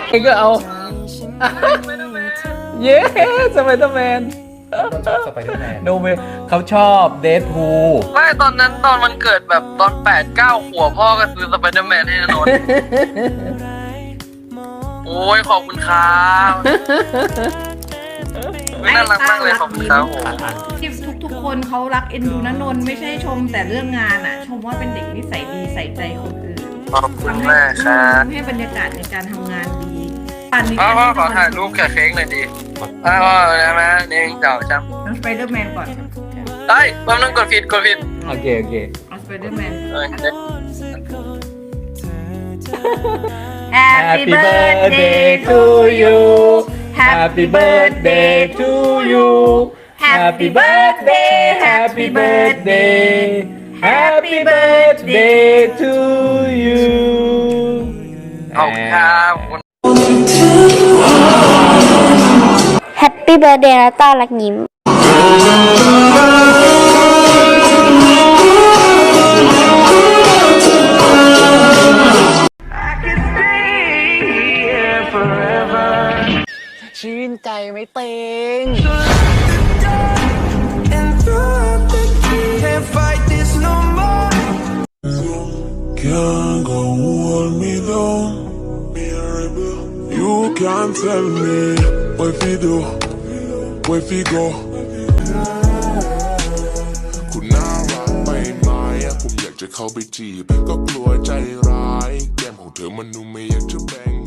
เองก็เอาเย้สไปเดอร์แมนสไปเดอร์แมนโนเวเขาชอบเดดพูลไม่ตอนนั้นตอนมันเกิดแบบตอน8-9 ขวบพ่อก็ซื้อสไปเดอร์แมนให้นนท์โอ้ยขอบคุณครับน่ารักมากเลยขอบคุณครับผมที่ทุกคนเขารักเอ็นดูนะนนท์ไม่ใช่ชมแต่เรื่องงานอ่ะ ชมว่าเป็นเด็กนิสัยดีใส่ใจคนอื่นขอบคุณมากครับทำให้บรรยากาศในการทำงานดีป่านนี้พ่อขอถ่ายรูปกับเค้กหน่อยดิพ่อได้ไหมนี่เจ้าจำน้องสไปเดอร์แมนก่อนได้แป๊บนึงกดผิดโอเคโอเคเอาสไปเดอร์แมนเออ Happy birthday to you Happy birthday to you Happy birthday Happy birthday Happy birthday to you ขอบคุณครับแฮปปี้เบิร์ดเดย์นะต้ารักยิ้มชื่นใจไหมเต็ง Can't go hold me down. You can't tell me what we do, where we go. คุณน่ารักไปไหมผมอยากจะเข้าไปจีบก็กลัวใจร้ายแก้มของเธอมันดูไม่อยากจะแบ่ง